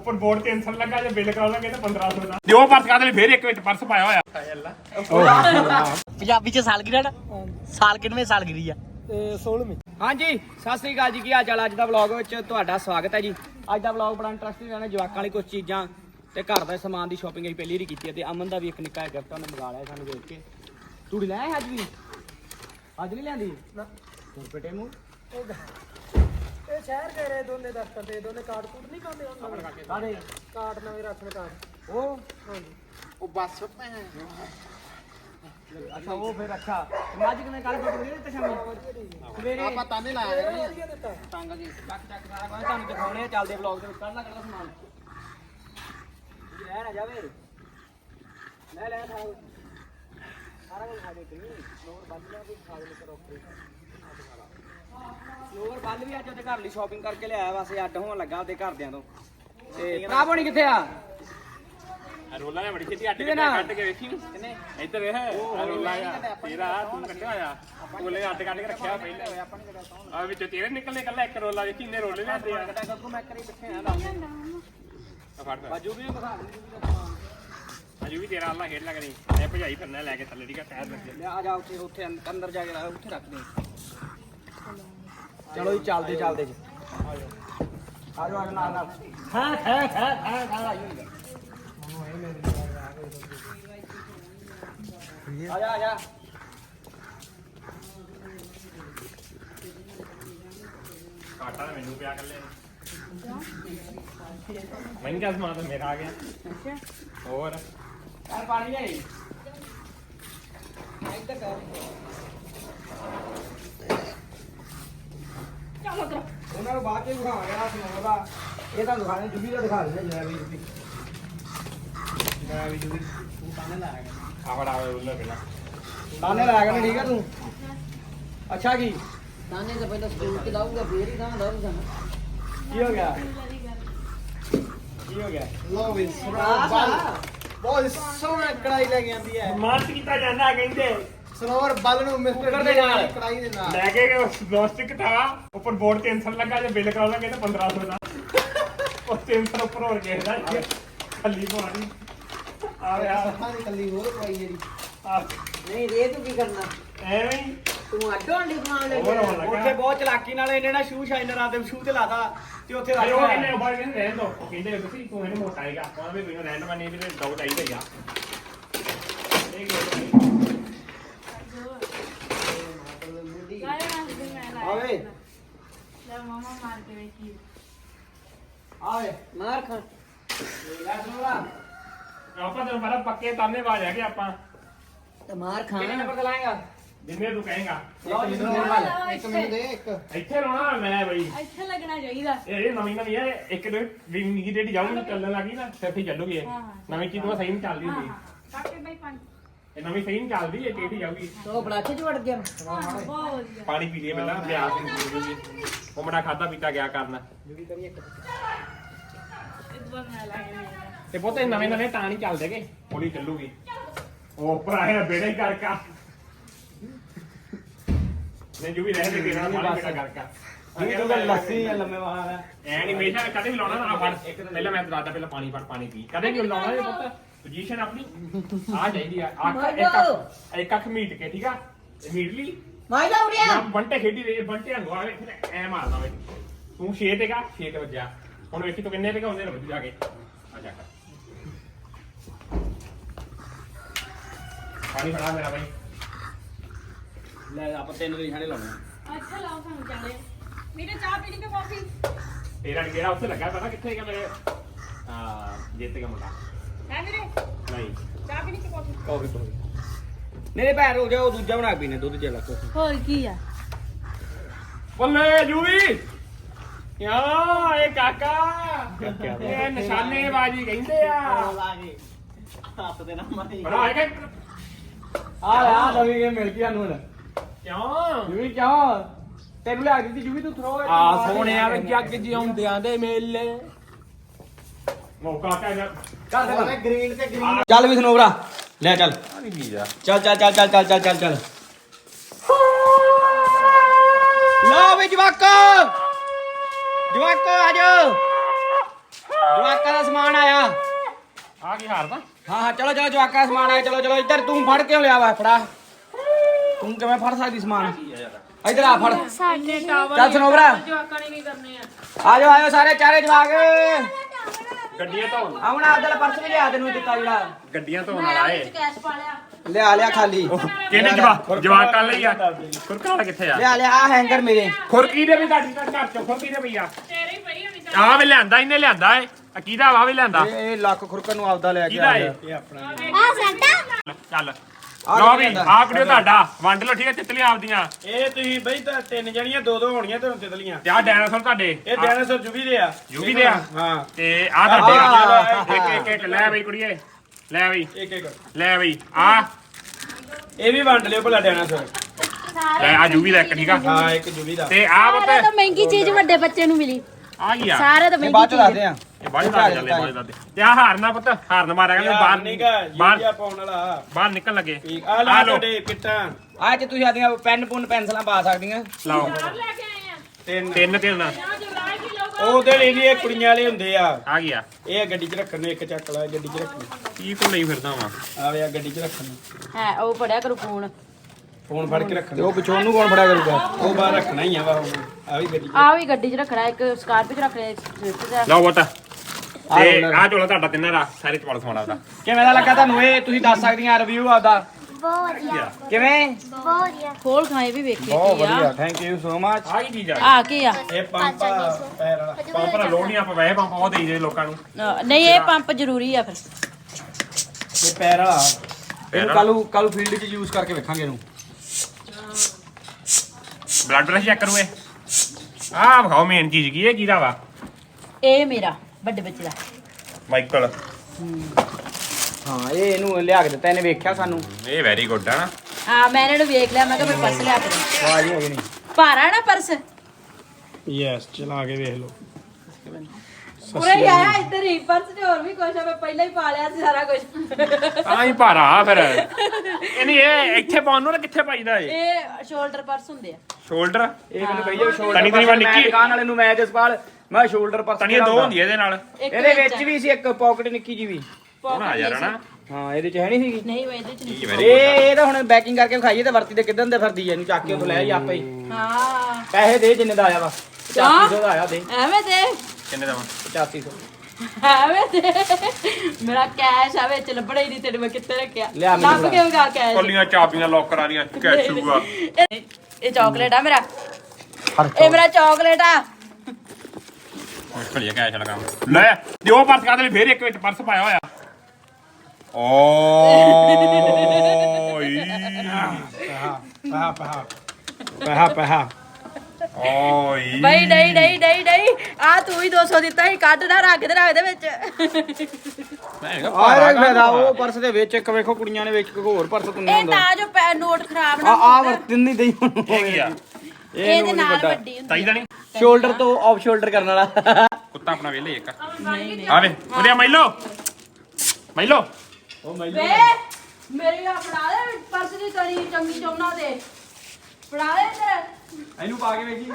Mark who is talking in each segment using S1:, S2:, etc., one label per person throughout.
S1: ਉੱਪਰ ਬੋਰਡ ਤੇ ਇੰਸਰ ਲੱਗਾ ਜੇ ਬਿੱਲ ਕਰਾ ਲਾਂਗੇ ਤਾਂ 1500 ਦਾ ਦਿਓ ਪਰਸ ਕਾਹਦੇ ਲਈ ਫੇਰ ਇੱਕ ਵਿੱਚ ਪਰਸ ਪਾਇਆ ਹੋਇਆ
S2: ਪੰਜਾਬੀ ਚ ਸਾਲਗਿਰਾ ਨਾ ਸਾਲ ਕਿੰਨਵੇਂ ਸਾਲਗਿਰੀ ਆ
S3: 16ਵੀਂ। ਹਾਂਜੀ ਸਤਿ ਸ੍ਰੀ ਅਕਾਲ ਜੀ, ਕੀ ਹਾਲ ਚਾਲ? ਅੱਜ ਦਾ ਵਲੌਗ ਵਿੱਚ ਤੁਹਾਡਾ ਸਵਾਗਤ ਹੈ ਜੀ। ਅੱਜ ਦਾ ਵਲੌਗ ਬੜਾ ਇੰਟਰਸਟਿੰਗ ਰਹਿਣਾ। ਜਵਾਕਾਂ ਲਈ ਕੁਝ ਚੀਜ਼ਾਂ ਤੇ ਘਰ ਦਾ ਸਮਾਨ ਦੀ ਸ਼ਾਪਿੰਗ ਅਸੀਂ ਪਹਿਲੀ ਵਾਰੀ ਕੀਤੀ ਹੈ ਤੇ ਅਮਨ ਦਾ ਵੀ ਇੱਕ ਨਿੱਕਾ ਗਿਫਟ ਉਹਨੇ ਮੰਗਾ ਲਿਆ ਸਾਨੂੰ ਦੇਖ ਕੇ। ਤੂੜੀ ਲੈ ਆਏ ਅੱਜ ਵੀ? ਅੱਜ ਨਹੀਂ ਲਿਆਂਦੀ ਨਾ ਹੋਰ ਬੇਟੇ ਮੂੰਹ
S4: ਇਹ ਸ਼ਹਿਰ ਗਏ ਰਹੇ ਦੋਨੇ ਦਫ਼ਤਰ ਤੇ ਦੋਨੇ ਕਾਰਡ ਕੂਡ ਨਹੀਂ ਪਾਉਂਦੇ ਉਹਨਾਂ ਨੂੰ
S3: ਕਾਹਦੇ
S4: ਕਾਰਡ ਨਵੇਂ ਰਾਸ਼ਨ ਕਾਰਡ
S3: ਉਹ
S4: ਹਾਂਜੀ
S3: ਉਹ ਬੱਸ ਅੱਛਾ ਉਹ ਫਿਰ ਅੱਛਾ ਅੱਜ ਕਿਵੇਂ ਕੱਲ ਕੋਈ ਨਹੀਂ ਦਿੱਤਾ ਸ਼ਾਮੀ ਸਵੇਰੇ ਆਪਾਂ ਤਾਨੇ ਲਾਇਆ
S4: ਵਧੀਆ ਦਿੱਤਾ
S3: ਟੰਗ ਜੀ ਚੱਕ ਸਾਰਾ ਕੁਝ ਤੁਹਾਨੂੰ ਦਿਖਾਉਣੇ ਆ। ਚੱਲਦੇ ਵਲੌਗ ਦੇ ਵਿੱਚ ਕੱਢਣਾ ਸਮਾਨ ਲੈ ਨਾ ਜਾਵੇ ਲੈ ਸਾਰਾ ਕੁਝ ਖਾ ਦੇ ਕਰੀ ਲੋਰ ਬੰਦ ਲਿਆ ਵੀ ਖਾ ਦੇ ਕਰੋ ਲੋਰ ਬੰਦ ਵੀ ਅੱਜ ਉਹਦੇ ਘਰ ਲਈ ਸ਼ਾਪਿੰਗ ਕਰਕੇ ਲਿਆਇਆ ਵਾਸੇ ਅੱਡ ਹੋਣ ਲੱਗਾ ਉਹਦੇ ਘਰਦਿਆਂ ਤੋਂ। ਤੇ ਭਰਾ ਬਣੀ ਕਿੱਥੇ ਆ?
S1: ਰੋਲਾ ਜਾਂ ਬੜੀ ਛੇਤੀ ਅੱਡ ਕੇ ਕੱਢ ਕੇ ਵੇਖੀ ਕਿੰਨੇ ਇੱਧਰ ਇਹ ਰੋਲਾ ਆ ਤੇਰਾ ਤੂੰ ਕੱਢਿਆ ਹੋਇਆ ਕੋਲੇ ਅੱਡ ਕੱਢ ਕੇ ਰੱਖਿਆ ਪਹਿਲਾਂ ਆ ਵਿੱਚ ਤੇਰੇ ਨਿਕਲਨੇ ਕੱਲਾ ਇੱਕ ਰੋਲਾ ਵੇਖੀ ਇੰਨੇ ਰੋਲੇ ਲਿਆਂਦੇ ਆ
S3: ਗੱਗੂ ਮੈਂ ਕਰੀ ਬਿਠੇ ਆ ਲਾ
S1: ਫੜ
S3: ਬਾਜੂ ਵੀ ਬਖਾ
S1: ਅਜੂ ਵੀ ਤੇਰਾ ਅੱਲਾ ਖੇਡ ਲੱਗਣੀ ਐ ਭਜਾਈ ਫਿਰਨਾ ਲੈ ਕੇ ਥੱਲੇ ਦੀ ਟਾਇਰ ਲੱਗੇ
S3: ਲੈ ਆ ਜਾ ਉੱਥੇ ਅੰਦਰ ਜਾ ਕੇ ਲਾ ਉੱਥੇ ਰੱਖ ਦੇ। ਚਲੋ ਜੀ ਚੱਲਦੇ ਜੀ ਆ ਜਾਓ ਨਾਲ ਹਾਂ ਆ ਜਾ
S1: ਕਾਟਾ ਮੈਨੂੰ ਪਿਆ ਕੱਲੇ ਮਹਿੰਗਾ ਸਮਾਨ ਤਾਂ ਮੇਰਾ ਆ ਗਿਆ
S4: ਅੱਛਾ
S1: ਹੋਰ
S3: ਯਾਰ ਪਾਣੀ ਲੈ ਇੱਧਰ ਕਰ
S4: ਚਲੋ ਕਰੋ
S3: ਉਹਨਾਂ ਨੂੰ ਬਾਅਦ ਚ ਦਿਖਾਵਾਂਗੇ ਸੁਣਾਉਣਾ ਦਾ ਇਹ ਤਾਂ ਦਿਖਾਣੇ ਜੁਬੀ ਦਾ ਦਿਖਾ ਦਿੰਦੇ ਜਰਾ ਵੀ ਜੁਬੀ ਤੂੰ ਤਾਨੇ ਲਾਇਆ
S1: ਆਵੜਾ ਰੋਲਾ ਪਹਿਲਾਂ
S3: ਤਾਨੇ ਲਾਇਆ ਕਰ ਠੀਕ ਹੈ ਤੂੰ ਅੱਛਾ ਕੀ
S2: ਤਾਨੇ ਤਾਂ ਪਹਿਲਾਂ ਸਕੂਲ ਤੇ ਲਾਊਗਾ ਫੇਰ ਹੀ ਤਾਂ ਲਾਊਗਾ
S3: ਕੀ ਹੋ ਗਿਆ ਕੀ ਹੋ ਗਿਆ
S4: ਲੋ ਵੀ
S3: ਬਹੁਤ ਸੋਹਣਾ ਕੜਾਈ ਲੈ ਕੇ ਆਂਦੀ ਹੈ
S1: ਮਾਰਚ ਕੀਤਾ ਜਾਂਦਾ ਕਹਿੰਦੇ
S4: ਸਰੋਵਰ ਬਲ ਨੂੰ ਮਿਸਟਰ
S3: ਦੇ ਨਾਲ
S4: ਕੜਾਈ ਦੇ ਨਾਲ
S1: ਲੈ ਕੇ ਨੋਸਟਿਕ ਤਵਾ ਉੱਪਰ ਬੋਰਡ ਤੇ ਇੰਸਰ ਲੱਗਾ ਜੇ ਬਿੱਲ ਕਰਾ ਲਾਂਗੇ ਤਾਂ 1500 ਦਾ ਉਹ ਤੇ ਇੰਸਰ ਉੱਪਰ ਹੋਰ ਗਿਆ ਖੱਲੀ ਪਵਾਣੀ ਆ ਰਿਹਾ
S4: ਸੱਤਾਂ ਦੀ ਕੱਲੀ ਹੋਰ ਪਵਾਈ ਜਿਹੜੀ
S2: ਨਹੀਂ ਰੇ ਤੂੰ ਕੀ ਕਰਨਾ
S1: ਐਵੇਂ ਹੀ
S2: ਤੂੰ ਅੱਡੋ ਅੰਡੀ ਬਣਾ ਲੈ
S1: ਹੋਰ ਹੋਣ ਲੱਗਾ
S3: ਉੱਥੇ ਬਹੁਤ ਚਲਾਕੀ ਨਾਲ ਇਹਨੇ ਨਾ ਸ਼ੂ ਸ਼ਾਈਨਰਾਂ ਦੇ ਸ਼ੂ ਤੇ ਲਾਤਾ ਤੇ ਉੱਥੇ
S1: ਅਰੇ ਉਹ
S3: ਰੱਖ
S1: ਕਹਿੰਦੇ ਉਹ ਬਾਈ ਕਹਿੰਦੇ ਰਹਿਣ ਦੋ ਕਹਿੰਦੇ ਤੁਸੀਂ ਤੂੰ ਇਹਨੂੰ ਮੋਟਾਏਗਾ ਉਹਨਾਂ ਵੀ ਮੈਨੂੰ ਰੈਂਡ ਬਣੀ ਵੀ ਡਾਊਟ ਆਈ ਗਈ ਆ
S3: ਆਵੇ ਆਵੇ
S2: ਮਾਰ ਖਾ
S3: ਲੈ ਸੁਣਵਾ
S1: ਆਪਾਂ ਤੈਨੂੰ ਪਤਾ ਪੱਕੇ ਤਾਨੇ ਬਾਜ ਹੈਗੇ ਆਪਾਂ
S2: ਤੇ ਮਾਰ ਖਾ
S3: ਕਿੰਨੇ ਨੰਬਰ ਤੇ ਲਾਏਗਾ
S1: ਜਿੰਨੇ ਤੂੰ ਕਹੇਗਾ
S4: ਇੱਕ ਮੈਨੂੰ ਦੇ ਇੱਕ
S1: ਇੱਥੇ ਲਾਉਣਾ ਮੈਂ ਬਈ
S5: ਇੱਥੇ ਲੱਗਣਾ ਚਾਹੀਦਾ
S1: ਇਹ ਨਵੀਂ ਹੈ ਇੱਕ ਦੋ ਵੀ ਨਿੱਕੀ ਡੇਡੀ ਜਾਊਗੀ ਚੱਲਣ ਲੱਗੀ ਨਾ ਫਿਰ ਫਿਰ ਚੱਲੂਗੀ ਇਹ ਨਵੀਂ ਚੀਜ਼ ਨੂੰ ਸਹੀ ਨਹੀਂ ਚੱਲਦੀ ਹੁੰਦੀ
S5: ਕਾਕੇ ਬਾਈ ਪਾਣੀ
S1: ਇਹ ਨਵੀਂ ਸਹੀ ਨਹੀਂ ਚੱਲਦੀ ਇਹ ਟੇਢੀ ਜਾਊਗੀ
S2: ਤੋ ਬੜਾਚੇ ਚ ਵੜ ਗਿਆ
S5: ਬਹੁਤ ਵਧੀਆ
S1: ਪਾਣੀ ਪੀ ਲਈਏ ਪਹਿਲਾਂ ਬਿਆਸ ਨੂੰ ਉਹ ਮੜਾ ਖਾਦਾ ਪੀਤਾ ਗਿਆ ਕਰਨ
S5: ਇਦਾਂ ਨਾ ਲੱਗੇ
S1: ਤੇ ਬਹੁਤੇ ਨਵੇਂ ਤਾਂ ਨਹੀਂ ਚੱਲਦੇਗੇ ਹੌਲੀ ਚੱਲੂਗੀ ਉਹ ਭਰਾਏ ਬੇੜਾ ਹੀ ਕਰਕਾ ਨੇ ਜੋ ਵੀ ਰਹਿ ਦੇ ਕਿਹੜਾ ਪਾਣੀ ਬੇੜਾ ਕਰਕਾ
S3: ਇਹ ਤੂੰ ਲੱਸੀ ਜਾਂ ਲੰਮੇ ਵਾਲਾ ਹੈ
S1: ਐਨੀਮੇਸ਼ਨ ਕਦੇ ਵੀ ਲਾਉਣਾ ਨਾ ਫੜ ਇੱਕ ਪਹਿਲਾਂ ਮੈਂ ਦੱਸਦਾ ਪਹਿਲਾਂ ਪਾਣੀ ਫੜ ਪਾਣੀ ਪੀ ਕਦੇ ਵੀ ਲਾਉਣਾ ਇਹ ਪੁੱਤ ਪੋਜੀਸ਼ਨ ਆਪਣੀ ਆ ਚਾਹੀਦੀ ਆ ਇੱਕ ਅੱਖ ਮੀਟ ਕੇ ਠੀਕ ਆ ਮੀਟ ਲਈ
S2: ਮਾਈ ਜਾ ਉੜਿਆ
S1: ਬੰਟੇ ਖੇਡੀ ਦੇ ਬੰਟੇ ਨੂੰ ਆਵੇ ਫਿਰ ਐ ਮਾਰਦਾ ਵੇ ਤੂੰ 6 ਤੇਗਾ 6 ਤੇ ਵੱਜਿਆ ਹੁਣ ਵੇਖੀ ਤੂੰ ਕਿੰਨੇ ਤੇਗਾ ਉਹਨੇ ਵੱਜ ਜਾ ਕੇ ਆ ਜਾ ਪਾਣੀ ਫੜਾ ਮੇਰਾ ਬਾਈ
S3: ਲੈ ਆਪਾਂ ਤਿੰਨ ਨਿਸ਼ਾਨੇ ਲਾਉਣੇ
S5: ਅੱਛਾ ਲਾਓ ਸਾਨੂੰ ਚਾਲੇ ਮੇਰੇ ਚਾਹ ਪੀਣੀ ਕਿ ਕਾਫੀ
S1: ਤੇਰਾ ਕਿਹੜਾ ਉੱਥੇ ਲੱਗਾ ਪਤਾ ਕਿੱਥੇ ਹੈਗਾ ਮੇਰੇ ਜਿੱਤ ਗਿਆ ਮੁੰਡਾ
S5: ਹੈ ਵੀਰੇ
S1: ਨਹੀਂ
S5: ਚਾਹ ਪੀਣੀ ਕਿ ਕਾਫੀ
S3: ਕਾਫੀ ਮੇਰੇ ਭੈਣ ਹੋ ਜਾ ਉਹ ਦੂਜਾ ਬਣਾ ਪੀਨੇ ਦੁੱਧ ਚ ਲੱਗ
S5: ਹੋਰ ਕੀ ਆ
S1: ਬੱਲੇ ਜੂਵੀ ਯਾ ਇਹ ਕਾਕਾ ਇਹ ਨਿਸ਼ਾਨੇਬਾਜ਼ੀ ਕਹਿੰਦੇ ਆ
S3: ਹੱਥ ਦੇ ਨਾ ਮਾਰੀ
S1: ਬੜਾ ਹੈਗਾ
S3: ਆ ਨਵੀਂ ਗੇਮ ਮਿਲ ਗਈ ਸਾਨੂੰ ਹੁਣ
S1: ਕਿਉਂ
S3: ਜੁਵੀ ਕਿਉਂ ਤੈਨੂੰ ਲਿਆ ਦਿੱਤੀ ਜੁਵੀ ਤੂੰ ਥਰੋ
S1: ਆ ਸੋਹਣਿਆ ਵੇ ਜੱਗ ਜਿਉਂਦਿਆਂ ਦੇ ਮੇਲੇ ਮੌਕਾ ਕਹਿ
S3: ਕਰ ਦੇ
S4: ਗ੍ਰੀਨ ਤੇ ਗ੍ਰੀਨ
S3: ਚੱਲ ਵੀ ਸਨੋਵਰਾ ਲੈ ਚੱਲ
S1: ਨਹੀਂ ਵੀਜ਼ਾ
S3: ਚੱਲ ਲਓ ਵੀ ਜਵਾਕੋ ਆ ਜਾਓ ਜਵਾਕਾਂ ਦਾ
S1: ਕੀ ਹਾਰਦਾ
S3: ਹਾਂ ਹਾਂ ਚਲੋ ਚਲੋ ਜਵਾਕਾਂ ਦਾ ਸਮਾਨ ਆਇਆ ਚਲੋ ਚਲੋ ਇੱਧਰ ਤੂੰ ਫੜ ਕਿਉਂ ਲਿਆ ਵਾ ਫੜਾ ਤੂੰ ਕਿਵੇਂ ਫੜ ਸਕਦੀ ਸਮਾਨ ਇੱਧਰ ਆ ਫੜ ਚੱਲ ਸਨੋਵਰਾ
S5: ਜਵਾਕਾਂ ਨੇ ਕੀ ਕਰਨੇ ਆ
S3: ਆ ਜਾਓ ਆਇਓ ਸਾਰੇ ਚਾਰੇ ਜਵਾਕ
S1: ਗੱਡੀਆਂ ਧੋਣ
S3: ਆਉਣਾ ਆਪਦਾ ਪਰਸ ਵੀ ਲਿਆ ਤੈਨੂੰ ਦਿੱਤਾ ਜਿਹੜਾ
S1: ਗੱਡੀਆਂ ਧੋਣ ਵਾਲਾ ਏ
S5: ਕੈਸ਼ ਪਾ ਲਿਆ
S3: ਲਿਆ ਖਾਲੀ
S1: ਕਿਹਨੇ ਜਵਾਕਾਂ ਲਈ ਆ ਖੁਰਕਾਂ ਕਿੱਥੇ ਆ
S3: ਲਿਆ ਆ ਹੈਂਗਰ ਮੇਰੇ
S1: ਖੁਰਕੀ ਦੇ ਵੀ ਤੁਹਾਡੀ ਘਰ ਚ ਖੁਰਕੀ ਦੇ ਪਈ ਆ
S5: ਤੇਰੇ ਹੀ ਪਈ ਹੋਣੀ
S1: ਆ ਵੀ ਲਿਆਂਦਾ ਇਹਨੇ ਲਿਆਂਦਾ ਏ ਆ ਕਿਹਦਾ ਵਾ ਵੀ ਲਿਆਂਦਾ
S3: ਇਹ ਲੱਖ ਖੁਰਕਨ ਨੂੰ ਆਪਦਾ ਲੈ ਕੇ
S1: ਕਿਹਦਾ
S3: ਆ
S1: ਏ
S3: ਗਿਆ
S1: ਚੱਲ ਲਓ ਵੀ ਆ ਕੁੜੀਓ ਤੁਹਾਡਾ ਵੰਡ ਲਓ ਠੀਕ ਹੈ ਤਿਤਲੀਆਂ ਆਪਦੀਆਂ
S6: ਇਹ ਤੁਸੀਂ ਬਈ ਤਾਂ ਤਿੰਨ ਜਣੀਆਂ ਦੋ ਦੋ ਹੋਣੀਆਂ ਤੁਹਾਨੂੰ ਤਿਤਲੀਆਂ
S1: ਤੇ ਆ ਡਾਇਨਾਸੌਰ ਤੁਹਾਡੇ
S6: ਇਹ ਡਾਇਨਾਸੌਰ ਜੁਬੀ ਦੇ ਆ
S1: ਜੁਬੀ ਦੇ ਆ
S6: ਹਾਂ
S1: ਤੇ ਆ ਤੁਹਾਡੇ ਇੱਕ ਲੈ ਬਈ ਕੁੜੀਏ ਲੈ ਬਈ
S6: ਇੱਕ ਇੱਕ
S1: ਲੈ ਬਈ ਆ
S6: ਇਹ ਵੀ ਵੰਡ ਲਿਓ ਭਲਾ ਡਾਇਨਾਸੌਰ
S1: ਲੈ ਆ ਜੁਬੀ ਦਾ ਇੱਕ ਠੀਕ ਆ
S6: ਹਾਂ ਇੱਕ ਜੁਬੀ ਦਾ
S1: ਤੇ ਆ
S5: ਸਾਰਿਆਂ ਤੋਂ
S1: ਪੁੱਤ
S5: ਮਹਿੰਗੀ ਚੀਜ਼ ਵੱਡੇ ਬੱਚੇ ਨੂੰ ਮਿਲੀ
S1: ਆ ਗਿਆ
S5: ਸਾਰੇ ਤੋਂ
S3: ਇਹ
S5: ਮਹਿੰਗੀ
S3: ਬਾਅਦ ਚ
S5: ਚੀਜ਼
S3: ਦੱਸਦੇ ਆ
S1: ਇਹ ਬਾਹਰ ਲਾ ਚੱਲੇ ਬਾਹਰ ਤੇ ਆ ਹਾਰਨਾ ਪੁੱਤ ਹਾਰਨ ਮਾਰਿਆ ਕਹਿੰਦੇ ਬਾਹਰ
S6: ਨਹੀਂਗਾ
S1: ਬਾਹਰ
S6: ਯੂਰੀਆ ਪਾਉਣ ਵਾਲਾ
S1: ਬਾਹਰ ਨਿਕਲ ਲੱਗੇ
S6: ਠੀਕ ਆ ਲਾ ਤੁਹਾਡੇ ਕਿੱਟਾਂ
S3: ਆ ਚ ਤੁਸੀਂ ਆਦੀਆਂ ਪੈਨ ਪੁੰਨ ਪੈਨਸਲਾਂ ਪਾ ਸਕਦੀਆਂ
S1: ਲਾਓ
S5: ਲੈ ਕੇ ਆਏ ਆ
S6: ਤਿੰਨ
S1: ਤਿੰਨ ਤਿੰਨ
S5: ਆ ਜੁਲਾਈ ਕੀ ਲੋਕ
S6: ਉਹਦੇ ਲਈ ਇਹ ਕੁੜੀਆਂ ਵਾਲੇ ਹੁੰਦੇ ਆ
S1: ਆ ਗਿਆ
S6: ਇਹ ਗੱਡੀ 'ਚ ਰੱਖਣ ਨੂੰ ਇੱਕ ਚੱਕ ਲਾ ਗੱਡੀ 'ਚ ਰੱਖਣ
S1: ਕੀ ਕੋ ਲਈ ਫਿਰਦਾ ਵਾਂ
S6: ਆਵੇ ਆ ਗੱਡੀ 'ਚ ਰੱਖਣ ਨੂੰ
S5: ਹੈ ਉਹ ਪੜਿਆ ਕਰੂ ਫੋਨ
S6: ਫੋਨ ਫੜ ਕੇ ਰੱਖਣ
S3: ਤੇ ਉਹ ਪਿਛੋਂ ਨੂੰ ਕੌਣ ਫੜਿਆ ਕਰੂਗਾ
S6: ਉਹ ਬਾਹਰ ਰੱਖਣਾ ਹੀ ਆ ਵਾ ਹੁਣ ਆ ਵੀ ਗੱਡੀ 'ਚ
S5: ਆ ਵੀ ਗੱਡੀ 'ਚ ਰੱਖਣਾ ਇੱਕ ਸਕਾਰਪੀਓ 'ਚ ਰੱਖਣਾ ਇੱਕ ਸਵਿਫਟ 'ਚ
S1: ਲਓ ਬਤਾ ਤੇ ਆ ਝੋਲਾ ਤੁਹਾਡਾ ਤਿੰਨਾਂ ਦਾ ਸਾਰੇ ਚਵਾਲ ਸਮਾਨ ਆਪਦਾ
S3: ਕਿਵੇਂ ਦਾ ਲੱਗਾ ਤੁਹਾਨੂੰ ਇਹ ਤੁਸੀਂ ਦੱਸ ਸਕਦੀਆਂ ਰਿਵਿਊ ਆਪਦਾ ਕਿਵੇਂ
S5: ਖੋਲ ਖਾਏ ਵੀ ਵੇਖੀ
S3: ਬਹੁਤ
S5: ਕੀ ਆ
S3: ਵਧੀਆ ਥੈਂਕ ਯੂ ਸੋ ਮਚ
S1: ਆ ਕੀ ਚੀਜ਼ ਆ
S5: ਆ ਕੀ ਆ
S6: ਇਹ ਪੰਪ ਆ ਪੈਰ ਵਾਲਾ
S1: ਪੰਪ ਦਾ ਲੋੜ ਨਹੀਂ ਆਪਾਂ ਵੈਸੇ ਪੰਪ ਬਹੁਤ ਦੇਈਦੇ ਲੋਕਾਂ ਨੂੰ
S5: ਨਹੀਂ ਇਹ ਪੰਪ ਜ਼ਰੂਰੀ ਆ ਫਿਰ
S6: ਇਹ ਪੈਰ ਵਾਲਾ
S3: ਇਹਨੂੰ ਕੱਲ ਫੀਲਡ 'ਚ ਯੂਜ਼ ਕਰਕੇ ਵੇਖਾਂਗੇ ਇਹਨੂੰ
S1: ਬਲੱਡ ਪ੍ਰੈਸ਼ਰ ਚੈੱਕ ਕਰੂਏ ਆ ਵਿਖਾਓ ਮੇਨ ਚੀਜ਼ ਕੀ ਹੈ ਕਿਹਦਾ ਵਾ
S5: ਇਹ ਮੇਰਾ ਵੱਡੇ ਬੱਚੇ ਦਾ
S1: ਮਾਈਕਲ
S3: ਹਾਂ ਇਹ ਇਹਨੂੰ ਲਿਆ ਕੇ ਦਿੱਤਾ ਇਹਨੇ ਵੇਖਿਆ ਸਾਨੂੰ
S1: ਇਹ ਵੈਰੀ ਗੁੱਡ ਆ ਨਾ
S5: ਆ ਮੈਂ ਇਹਨਾਂ ਨੂੰ ਵੇਖ ਲਿਆ ਮੈਂ ਕਿਹਾ ਮੈਂ ਪਰਸ ਲਿਆ ਕੇ ਦੇ
S3: ਆਵਾਜ਼ ਹੋ ਗਈ ਨਹੀਂ
S5: ਭਾਰਾ ਨਾ ਪਰਸ
S6: ਯੈਸ ਚਲਾ ਕੇ ਵੇਖ ਲਓ
S5: ਪੂਰਾ ਹੀ ਆਇਆ ਇੱਧਰ ਹੀ ਪਰਸ ਤੇ ਹੋਰ ਵੀ ਕੁਛ ਆ ਮੈਂ ਪਹਿਲਾਂ ਹੀ ਪਾ ਲਿਆ ਸੀ ਸਾਰਾ ਕੁਝ
S1: ਤਾਂ ਹੀ ਭਾਰਾ ਫਿਰ ਇਹ ਨਹੀਂ ਇਹ ਇੱਥੇ ਪਾਉਣ ਨੂੰ ਨਾ ਕਿੱਥੇ ਪਾਈਦਾ ਏ
S5: ਇਹ ਸ਼ੋਲਡਰ ਪਰਸ ਹੁੰਦੇ ਆ
S1: ਸ਼ੋਲਡਰ
S3: ਇਹ ਮੈਨੂੰ ਕਹੀ ਜਾ ਸ਼ੋਲਡਰ
S1: ਤਣੀ ਤਣੀ ਵਾਲੀ ਨਿੱਕੀ
S3: ਦੁਕਾਨ ਵਾਲੇ ਨੂੰ ਮੈਂ ਜਸਪਾਲ ਮੈਂ ਸ਼ੋਲਡਰ ਪਰ
S1: ਤਣੀਆਂ ਦੋ ਹੁੰਦੀਆਂ ਇਹਦੇ ਨਾਲ
S5: ਇੱਕ
S3: ਇਹਦੇ ਵਿੱਚ ਵੀ ਸੀ ਇੱਕ ਪਾਕਟ ਨਿੱਕੀ ਜੀ ਵੀ
S1: ਹੋਣਾ ਯਾਰ ਹਨਾ
S3: ਹਾਂ ਇਹਦੇ ਚ ਹੈ ਨਹੀਂ ਸੀਗੀ
S5: ਨਹੀਂ ਵੇ ਇਹਦੇ ਚ ਨਹੀਂ
S3: ਇਹ ਤਾਂ ਹੁਣ ਬੈਕਿੰਗ ਕਰਕੇ ਵਿਖਾਈਏ ਤੇ ਵਰਤੀ ਤੇ ਕਿਦਾਂ ਦੇ ਫਿਰਦੀ ਐ ਇਹਨੂੰ ਚੱਕ ਕੇ ਉਥੋਂ ਲੈ ਆਈ ਆਪੇ ਹੀ
S5: ਹਾਂ
S3: ਪੈਸੇ ਦੇ ਜਿੰਨੇ ਦਾ ਆਇਆ ਵਾ 8500 ਦਾ ਆਇਆ ਦੇ
S5: ਐਵੇਂ ਦੇ
S1: ਕਿੰਨੇ ਦਵਾਂ
S3: 8500
S5: ਐਵੇਂ ਦੇ ਮੇਰਾ ਕੈਸ਼ ਆ ਵਿੱਚ ਲੱਭਣਾ ਹੀ ਨਹੀਂ ਤੈਨੂੰ ਮੈਂ ਕਿੱਥੇ ਰੱਖਿਆ
S3: ਲਿਆ ਮੈਨੂੰ
S5: ਲੱਭ ਕੇ ਵਿਖਾ ਕੈਸ਼
S1: ਕੋਲੀਆਂ ਚਾਬੀਆਂ ਲੋਕਰ ਵਾਲੀਆਂ ਕੈਸ਼ੂ ਆ
S5: ਇਹ ਚਾਕਲੇਟ ਆ ਮੇਰਾ ਇਹ ਮੇਰਾ ਚਾਕਲੇਟ ਆ
S1: ਖੜੀਆ ਕੈਸ਼ ਵਾਲਾ ਕੰਮ ਲੈ ਦਿਓ ਪਰਸ ਕਾਦੇ ਲਈ ਫੇਰ ਇੱਕ ਵਿੱਚ ਪਰਸ ਪਾਇਆ ਹੋਇਆ ਓਏ
S6: ਪਹਾ
S1: ਓਏ
S5: ਬਈ ਨਹੀਂ ਆ ਤੂੰ ਹੀ 200 ਦਿੱਤਾ ਸੀ ਕੱਢ ਨਾ ਰੱਖ ਦੇ ਵਿੱਚ
S3: ਆਹ ਫਾਇਦਾ ਉਹ ਪਰਸ ਦੇ ਵਿੱਚ ਇੱਕ ਵੇਖੋ ਕੁੜੀਆਂ ਨੇ ਵਿੱਚ ਇੱਕ ਹੋਰ ਪਰਸ ਤੁੰਨੇ
S5: ਇਹ
S3: ਹੁੰਦਾ
S5: ਤਾਂ ਜੋ ਨੋਟ ਖਰਾਬ ਨਾ
S3: ਆ ਵਰਤਨ ਨਹੀਂ ਦਈ ਹੁਣ
S1: ਕੀ ਆ
S5: ਇਹਦੇ ਨਾਲ ਵੱਡੀ ਹੁੰਦੀ
S1: ਤਾਈ ਦਾ ਨਹੀਂ
S3: ਸ਼ੋਲਡਰ ਤੋਂ ਆਫ ਸ਼ੋਲਡਰ ਕਰਨ ਵਾਲਾ
S1: ਕੁੱਤਾ ਆਪਣਾ ਵੇਲੇ ਇੱਕ ਆਵੇ ਉਰੇ ਮੈਲੋ
S5: ਵੇ ਮੇਰੀ ਆ ਫੜਾ ਦੇ ਪਰਸ ਦੀ ਤਰੀ ਚੰਗੀ ਚੋਨਾ ਦੇ ਫੜਾ ਦੇ ਇੱਧਰ
S3: ਇਹਨੂੰ ਪਾ ਕੇ ਵੇਖੀ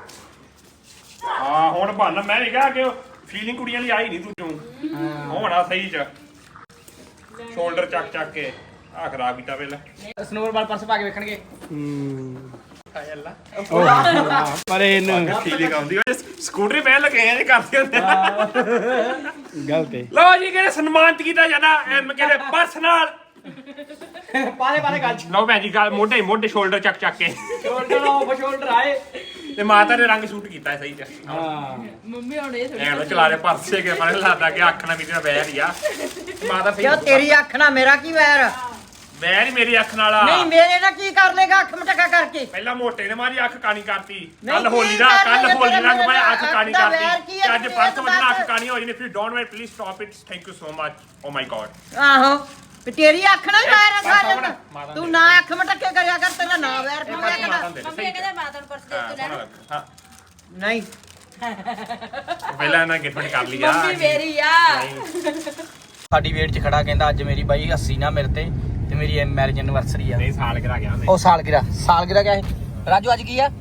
S1: ਹਾਂ ਹੁਣ ਬਹਾਨਾ ਮੈਂ ਵੀ ਕਿਹਾ ਕਿ ਫੀਲਿੰਗ ਕੁੜੀਆਂ ਲਈ ਆਈ ਨਹੀਂ ਤੂੰ ਚੋਂ ਹੋਣਾ ਸਹੀ ਚ ਸ਼ੋਲਡਰ ਚੱਕ ਕੇ ਆ ਖਰਾਬ ਕੀਤਾ ਵੇਲੇ
S3: ਸਨੋਰ ਬਾਲ ਪਰਸ ਪਾ ਕੇ ਵੇਖਣਗੇ
S1: ਹਾਏ ਅੱਲਾ
S6: ਪਰ ਇਹਨੂੰ
S1: ਫੀਲਿੰਗ ਆਉਂਦੀ ਓਏ ਸਕੂਟਰੀ ਪਹਿਲ ਲਗੇ ਆ ਇਹ ਕਰਦੇ ਹੁੰਦੇ
S6: ਗਲਤ ਹੈ
S1: ਲਓ ਜੀ ਕਿਹੜੇ ਸਨਮਾਨਿਤ ਕੀਤਾ ਜਾਂਦਾ ਐਮ ਕਿਹੜੇ ਪਰਸ ਨਾਲ
S3: ਪਾਲੇ ਗੱਜ
S1: ਲਓ ਭੈਣ ਜੀ ਗੱਲ ਮੋਢੇ ਸ਼ੋਲਡਰ ਚੱਕ ਕੇ
S3: ਸ਼ੋਲਡਰ ਆਫ ਸ਼ੋਲਡਰ ਆਏ
S1: ਤੇ ਮਾਤਾ ਨੇ ਰੰਗ ਸ਼ੂਟ ਕੀਤਾ ਸਹੀ ਚ
S3: ਹਾਂ
S5: ਮੰਮੀ ਹੁਣ ਇਹ ਥੋੜੀ
S1: ਐਂ ਲੋ ਚਲਾ ਰਹੇ ਪਰਸੇ ਕੇ ਪਰੇ ਲੱਗਦਾ ਕਿ ਅੱਖ ਨਾਲ ਮੇਰੀ ਨਾਲ ਬਹਿ ਰਹੀ ਆ ਮਾਤਾ ਸਹੀ
S2: ਕਿਉਂ ਤੇਰੀ ਅੱਖ ਨਾਲ ਮੇਰਾ ਕੀ ਵੈਰ
S1: ਬਹਿ ਨਹੀਂ ਮੇਰੀ ਅੱਖ ਨਾਲ
S2: ਨਹੀਂ ਮੇਰੇ ਨਾਲ ਕੀ ਕਰ ਲੇਗਾ ਅੱਖ ਮਟਕਾ ਕਰਕੇ
S1: ਪਹਿਲਾਂ ਮੋਟੇ ਨੇ ਮਾਰੀ ਅੱਖ ਕਾਣੀ ਕਰਤੀ
S2: ਨਹੀਂ,
S1: ਕੱਲ ਹੋਲੀ ਦਾ
S2: ਕੀ ਕਰ
S1: ਕੱਲ
S2: ਲਿਆ
S1: ਹੋਲੀ
S2: ਤੇਰਾ
S1: ਰੰਗ ਮੈਂ ਅੱਖ
S2: ਅੱਖ
S1: ਕਾਣੀ
S2: ਦਾ ਵੈਰ
S1: ਕਰਤੀ
S2: ਕੀ ਹੈ?
S1: ਤੇ ਅੱਜ ਪਰਸ ਵਜਣਾ ਅੱਖ ਕਾਣੀ ਹੋ ਜਾਣੀ ਫਿਰ don't wait please stop it thank you so much oh my God
S2: ਆਹੋ ਤੇ ਤੇਰੀ ਅੱਖ ਨਾਲ ਹੀ ਵੈਰ ਆ
S1: ਮਾਤਾ
S2: ਸਾਰਿਆਂ
S1: ਮਾਤਾ
S2: ਦਾ ਤੂੰ ਨਾ ਅੱਖ ਮਟਕੇ ਕਰਿਆ ਕਰ ਤੇਰਾ ਨਾ ਵੈਰ ਪਵਿਆ ਕਰ
S5: ਮੰਮੀ ਕਹਿੰਦੇ ਮਾਤਾ ਨੂੰ ਪਰਸ ਦੇ ਕੇ ਲੈਣਾ
S1: ਹਾਂ
S2: ਨਹੀਂ
S1: ਪਹਿਲਾਂ ਇਹਨਾਂ ਗਿਫਟ ਕਰ ਲਿਆ
S5: ਮੰਮੀ ਮੇਰੀ ਆ
S3: ਸਾਡੀ ਵੇਟ 'ਚ ਖੜਾ ਕਹਿੰਦਾ ਅੱਜ ਮੇਰੀ ਬਾਈ 80 ਨਾ ਮੇਰੇ ਤੇ ਮੇਰੀ ਮੈਰਿਜ ਐਨਵਰਸਰੀ ਆ
S1: ਨਹੀਂ ਸਾਲ ਕਰਾ ਗਿਆ ਉਹਨੇ
S3: ਉਹ ਸਾਲਗਿਰਾ ਕਿਆ ਹੈ ਰਾਜੂ ਅੱਜ ਕੀ ਆ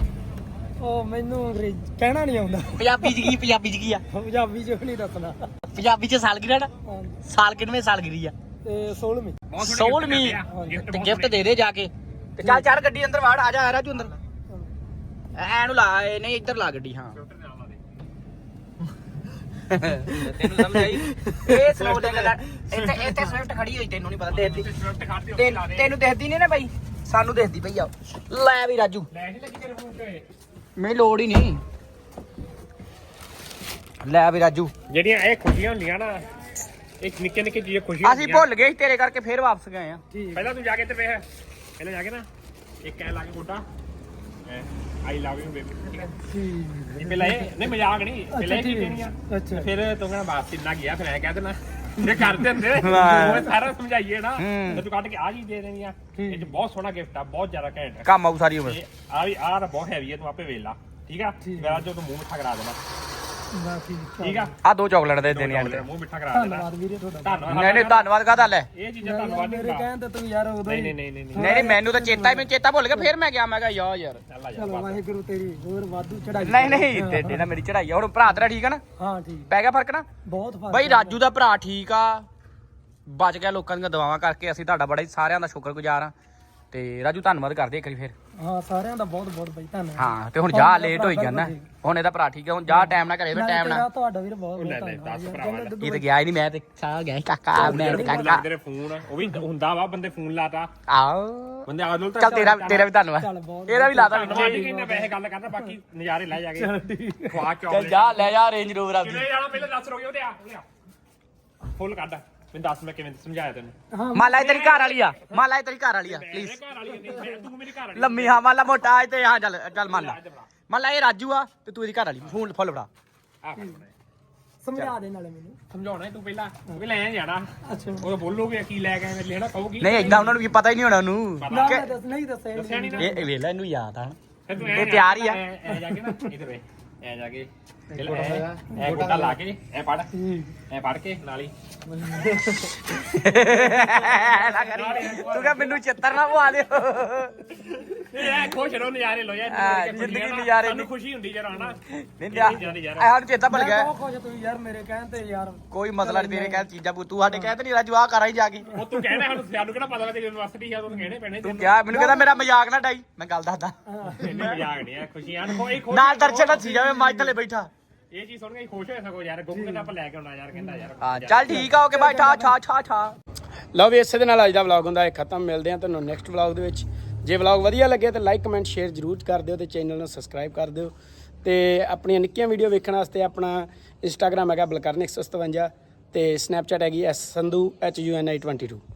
S4: ਉਹ ਮੈਨੂੰ ਕਹਿਣਾ ਨਹੀਂ ਆਉਂਦਾ
S3: ਪੰਜਾਬੀ 'ਚ ਕੀ ਆ
S4: ਪੰਜਾਬੀ ਚ ਨਹੀਂ ਦੱਸਣਾ
S3: ਪੰਜਾਬੀ ਚ ਸਾਲਗਿਰਾ ਨਾ ਸਾਲ ਕਿੰਨਵੇਂ ਸਾਲਗਿਰੀ ਆ
S4: ਤੇ 16ਵੀਂ
S1: ਬਹੁਤ ਸੋਹਣੇ
S3: 16ਵੀਂ ਤੇ ਗਿਫਟ ਦੇ ਦੇ ਜਾ ਕੇ ਤੇ ਚੱਲ ਚੱਲ ਗੱਡੀ ਅੰਦਰ ਵਾੜ ਆ ਜਾ ਰਾਜੂ ਅੰਦਰ ਐ ਨੂੰ ਲਾ ਇਹ ਨਹੀਂ ਇੱਧਰ ਲਾ ਗੱਡੀ ਹਾਂ ਤੈਨੂੰ ਸਮਝ ਆਈ ਇਹ ਸਲੋ ਲੈ ਗੱਲਾਂ ਇੱਥੇ ਸਵਿਫਟ ਖੜੀ ਹੋਈ ਤੈਨੂੰ ਨਹੀਂ ਪਤਾ ਦੇਖਦੀ ਤੈਨੂੰ ਦੇਖਦੀ ਨਹੀਂ ਨਾ ਬਾਈ ਸਾਨੂੰ ਦੇਖਦੀ ਪਈ ਆ ਲੈ ਵੀ ਰਾਜੂ
S1: ਲੈਸ਼ ਲੱਗੀ ਤੇਰੇ ਫੋਨ ਤੇ
S3: ਮੈਨੂੰ ਲੋੜ ਹੀ ਨਹੀਂ ਲੈ ਵੀ ਰਾਜੂ
S1: ਜਿਹੜੀਆਂ ਇਹ ਖੁਸ਼ੀਆਂ ਹੁੰਦੀਆਂ ਨਾ ਇਹ ਨਿੱਕੇ ਨਿੱਕੇ ਚੀਜ਼ਾਂ ਖੁਸ਼ੀਆਂ
S3: ਅਸੀਂ ਭੁੱਲ ਗਏ ਸੀ ਤੇਰੇ ਕਰਕੇ ਫੇਰ ਵਾਪਸ ਗਏ ਆ
S1: ਪਹਿਲਾਂ ਤੂੰ ਜਾ ਕੇ ਇੱਧਰ ਵੇਖ ਪਹਿਲਾਂ ਜਾ ਕੇ ਨਾ ਇੱਕ ਐ ਲਾ ਕੇ ਗੋਡਾ ਆਈ ਲਵ ਯੂ ਬੇਬੀ ਠੀਕ ਹੈ ਇਹ ਪਹਿਲਾਂ ਇਹ ਨਹੀਂ ਮਜ਼ਾਕ ਨਹੀਂ ਪਹਿਲਾਂ ਇਹ ਕੀ ਦੇਣੀਆਂ
S4: ਅੱਛਾ
S1: ਫਿਰ ਤੂੰ ਕਹਿੰਦਾ ਬਾਸ ਇੰਨਾ ਗਿਆ ਫਿਰ ਐ ਕਹਿ ਦੇਣਾ ਜੇ ਕਰ ਦਿੰਦੇ ਉਹ ਸਾਰਾ ਸਮਝਾਈਏ ਨਾ ਤੇ ਤੂੰ ਕੱਢ ਕੇ ਆ ਜੀ ਦੇ ਦੇਣੀਆਂ ਇਹ ਚ ਬਹੁਤ ਸੋਹਣਾ ਗਿਫਟ ਆ ਬਹੁਤ ਜ਼ਿਆਦਾ ਘੈਂਟ ਆ
S3: ਕੰਮ ਆਊ ਸਾਰੀ ਉਮਰ
S1: ਆ ਵੀ ਆਹ ਤਾਂ ਬਹੁਤ ਹੈਵੀ ਹੈ ਤੂੰ ਆਪੇ ਵੇਖ ਲਾ ਠੀਕ ਆ ਮੇਰਾ ਜੋ ਤੂੰ ਮੂੰਹ ਮਿੱਠਾ ਕਰਾ ਦੇਣਾ
S4: ਬਾ
S1: ਠੀਕ ਆ
S3: ਆ 2 ਚਾਕਲੇਟ ਦੇ ਦੇਣੀਆਂ
S1: ਮੇਰਾ ਮੂੰਹ ਮਿੱਠਾ ਕਰਾ ਦੇਣਾ
S4: ਧੰਨਵਾਦ ਵੀਰੇ ਤੁਹਾਡਾ
S1: ਧੰਨਵਾਦ
S3: ਨਹੀਂ ਨਹੀਂ ਧੰਨਵਾਦ ਕਾਹਦਾ ਲੈ
S1: ਇਹ ਚੀਜ਼ਾਂ ਧੰਨਵਾਦ ਨਹੀਂ
S4: ਮੇਰੇ ਕਹਿਣ ਤੇ ਤੂੰ ਯਾਰ ਉਦੋਂ ਹੀ
S1: ਨਹੀਂ ਨਹੀਂ
S3: ਨਹੀਂ ਮੈਨੂੰ ਤਾਂ ਚੇਤਾ ਹੀ ਮੈਨੂੰ ਚੇਤਾ ਭੁੱਲ ਗਿਆ ਫੇਰ ਮੈਂ ਗਿਆ ਮੈਂ ਕਿਹਾ ਯਾਰ
S1: ਚੱਲ ਆ ਜਾ
S4: ਚਲੋ ਵਾਹਿਗੁਰੂ ਤੇਰੀ ਹੋਰ ਵਾਧੂ ਚੜਾਈ
S3: ਨਹੀਂ ਤੇ ਨਾ ਮੇਰੀ ਚੜਾਈ ਆ ਹੁਣ ਭਰਾ ਤੇਰਾ ਠੀਕ ਆ ਨਾ
S4: ਹਾਂ ਠੀਕ
S3: ਪੈ ਗਿਆ ਫਰਕ ਨਾ
S4: ਬਹੁਤ ਫਰਕ
S3: ਬਈ ਰਾਜੂ ਦਾ ਭਰਾ ਠੀਕ ਆ ਬਚ ਗਿਆ ਲੋਕਾਂ ਦੀਆਂ ਦੁਆਵਾਂ ਕਰਕੇ ਅਸੀਂ ਤੁਹਾਡਾ ਬੜਾ ਹੀ ਸਾਰਿਆਂ ਦਾ ਸ਼ੁਕਰਗੁਜ਼ਾਰ ਆ ਤੇ ਰਾਜੂ ਧੰਨਵਾਦ ਕਰਦੇ ਇੱਕ ਵਾਰੀ ਫੇਰ
S4: ਹਾਂ ਸਾਰਿਆਂ ਦਾ ਬਹੁਤ ਬਹੁਤ ਬਈ ਧੰਨਵਾਦ
S3: ਹਾਂ ਤੇ ਹੁਣ ਜਾ ਲੇਟ ਹੋਈ ਜਾਂਦਾ ਹੁਣ ਇਹਦਾ ਭਰਾ ਠੀਕ ਆ ਹੁਣ ਜਾ ਟਾਈਮ ਨਾਲ ਘਰੇ ਵੇ ਟਾਈਮ ਨਾਲ
S4: ਤੁਹਾਡਾ ਵੀਰ ਬਹੁਤ ਬਹੁਤ
S1: ਲੈ
S4: ਧੰਨਵਾਦ
S1: 10 ਭਰਾਵਾਂ ਦਾ
S3: ਇਹ ਤੇ ਗਿਆ ਹੀ ਨਹੀਂ ਮੈਂ ਤੇ ਸਾਹ ਗਿਆ ਸੀ ਕਾਕਾ ਮੈਂ ਤੇ ਕਾਕਾ
S1: ਤੇਰੇ ਫੋਨ ਉਹ ਵੀ ਹੁੰਦਾ ਵਾ ਬੰਦੇ ਫੋਨ ਲਾਤਾ
S3: ਆਓ
S1: ਬੰਦੇ ਆਦਲ ਤਾਂ
S3: ਚੱਲ ਤੇਰਾ ਵੀ ਧੰਨਵਾਦ
S4: ਚੱਲ ਬਹੁਤ
S3: ਇਹਦਾ ਵੀ ਲਾਤਾ
S1: ਧੰਨਵਾਦ
S3: ਵਿੱਚ
S1: ਜੀ ਕਿੰਨੇ ਪੈਸੇ ਗੱਲ ਕਰਦਾ ਬਾਕੀ ਨਜ਼ਾਰੇ ਲੈ ਜਾ ਕੇ ਖਵਾ
S3: ਚੱਲ
S1: ਚੌਕ
S3: ਜਾ ਲੈ ਜਾ ਰੇਂਜ ਰੋਵਰ ਆਪਦੀ
S1: ਕਿਵੇਂ ਜਾਣਾ ਪਹਿਲਾਂ ਦੱਸ ਰੋਗੇ ਉਹਦੇ ਆ ਫੁੱਲ ਕੱਢ ਮੈਨੂੰ ਦੱਸ ਮੈਂ ਕਿਵੇਂ ਸਮਝਾਇਆ ਤੈਨੂੰ
S4: ਹਾਂ
S3: ਮਾਲਾ ਇਹ ਤੇਰੀ ਘਰ ਵਾਲੀ ਆ ਮਾਲਾ ਇਹ ਤੇਰੀ ਘਰ ਵਾਲੀ ਆ ਪਲੀਜ਼
S1: ਮੇਰੇ ਘਰ ਵਾਲੀ ਨਹੀਂ ਤੂੰ ਮੇਰੀ ਘਰ ਵਾਲੀ
S3: ਲੰਮੀ ਹਾਂ ਮਾਲਾ ਮੋਟਾ ਹੈ ਤੇ ਹਾਂ ਚੱਲ ਮੰਨ ਲਾ ਇਹ ਰਾਜੂ ਆ ਤੇ ਤੂੰ ਇਹਦੀ ਘਰ ਵਾਲੀ ਫੋਨ ਫੁੱਲ ਫੜਾ
S1: ਆ
S4: ਸਮਝਾ ਦੇ ਨਾਲੇ ਮੈਨੂੰ
S1: ਸਮਝਾਉਣਾ ਤੂੰ ਪਹਿਲਾਂ ਤੂੰ ਵੀ ਲੈ ਜਾਣਾ
S4: ਅੱਛਾ
S1: ਉਹ ਬੋਲੋਗੇ ਕੀ ਲੈ ਕੇ ਲੈਣਾ ਕਹੂਗੀ
S3: ਨਹੀਂ ਏਦਾਂ ਉਹਨਾਂ ਨੂੰ ਵੀ ਪਤਾ ਹੀ ਨਹੀਂ ਹੋਣਾ ਉਹਨੂੰ
S4: ਨਾ ਮੈਂ ਦੱਸ ਨਹੀਂ ਦੱਸਿਆ
S1: ਦੱਸਿਆ ਨਹੀਂ ਨਾ
S3: ਇਹ ਵੇਖ ਲੈ ਇਹਨੂੰ ਯਾਦ ਆ
S1: ਫਿਰ ਤੂੰ
S3: ਇਹ ਤਿਆਰ ਹੀ ਆ।
S1: ਐ ਜਾ ਕੇ ਨਾ ਇਧਰ ਵੇ ਐ ਜਾ ਕੇ ਐ ਗੋਟਾ ਲਾ ਕੇ ਐ ਪੜ ਕੇ ਨਾਲ ਹੀ
S3: ਤੂੰ ਕਹ ਮੈਨੂੰ ਚਿੱਤਰ ਨਾ ਪਵਾ ਦਿਓ
S1: ਐ ਖੁਸ਼ ਰਹੋ ਨਜ਼ਾਰੇ ਲੋ ਯਾਰ
S3: ਜ਼ਿੰਦਗੀ ਨਜ਼ਾਰੇ
S1: ਸਾਨੂੰ ਖੁਸ਼ੀ ਹੁੰਦੀ ਜਰਾ ਹਨਾ
S3: ਨਹੀਂ ਯਾਰ ਸਾਨੂੰ ਚੇਤਾ ਭੁੱਲ ਗਿਆ
S4: ਬਹੁਤ ਖੁਸ਼ ਤੂੰ ਯਾਰ ਮੇਰੇ ਕਹਿਣ ਤੇ ਯਾਰ
S3: ਕੋਈ ਮਸਲਾ ਨਹੀਂ ਤੇਰੇ ਕਹਿ ਚੀਜ਼ਾਂ ਤੂੰ ਸਾਡੇ ਕਹਿੰਦੇ ਨਹੀਂ ਰਾਜੂ ਆ ਕਰ ਆਈ ਜਾ ਕੇ
S1: ਉਹ ਤੂੰ ਕਹਿਣਾ ਸਾਨੂੰ ਕਿਹੜਾ ਪਤਾ ਲੱਗੇ ਯੂਨੀਵਰਸਿਟੀ ਆ ਤੂੰ ਕਹਿਣੇ ਪੈਣੇ
S3: ਤੂੰ ਕਿਹਾ ਮੈਨੂੰ ਕਹਿੰਦਾ ਮੇਰਾ ਮਜ਼ਾਕ ਨਾ ਡਾਈ ਮੈਂ ਗੱਲ ਦੱਸਦਾ
S1: ਨਹੀਂ ਮਜ਼ਾਕ ਨਹੀਂ ਆ ਖੁਸ਼ੀਆਂ ਕੋਈ ਖੁਸ਼
S3: ਨਾਲ ਦਰਸ਼ਨ ਹੱਸੀ ਜਾਵੇ ਮਾਝ ਥੱਲੇ ਬੈਠਾ
S1: ਇਹ ਚੀਜ਼ ਸੁਣ ਕੇ ਖੁਸ਼ ਹੋਇਆ ਸਗੋ ਯਾਰ ਗੁੱਗ ਕਹਿੰਦਾ ਆਪਾਂ ਲੈ ਕੇ ਆਉਣਾ ਯਾਰ ਕਹਿੰਦਾ ਯਾਰ
S3: ਹਾਂ ਚੱਲ ਠੀਕ ਆ ਓਕੇ ਬਾਈ ਠਾ
S6: ਲਓ ਵੀ ਇਸੇ ਦੇ ਨਾਲ ਅੱਜ ਦਾ ਵਲੌਗ ਹੁੰਦਾ ਹੈ ਖਤਮ। ਮਿਲਦੇ ਹਾਂ ਤੁਹਾਨੂੰ ਨੈਕਸਟ ਵਲੌਗ ਦੇ ਵਿੱਚ। ਜੇ ਵਲੌਗ ਵਧੀਆ ਲੱਗੇ ਤਾਂ ਲਾਈਕ ਕਮੈਂਟ ਸ਼ੇਅਰ ਜ਼ਰੂਰ ਕਰ ਦਿਓ ਤੇ ਚੈਨਲ ਨੂੰ ਸਬਸਕ੍ਰਾਈਬ ਕਰ ਦਿਓ ਤੇ ਆਪਣੀਆਂ ਨਿੱਕੀਆਂ ਵੀਡੀਓ ਵੇਖਣ ਵਾਸਤੇ ਆਪਣਾ ਇੰਸਟਾਗ੍ਰਾਮ ਹੈਗਾ ਬਲਕਰਨ 157 ਤੇ ਸਨੈਪਚੈਟ ਹੈਗੀ ਸੰਧੂ HUNI 22।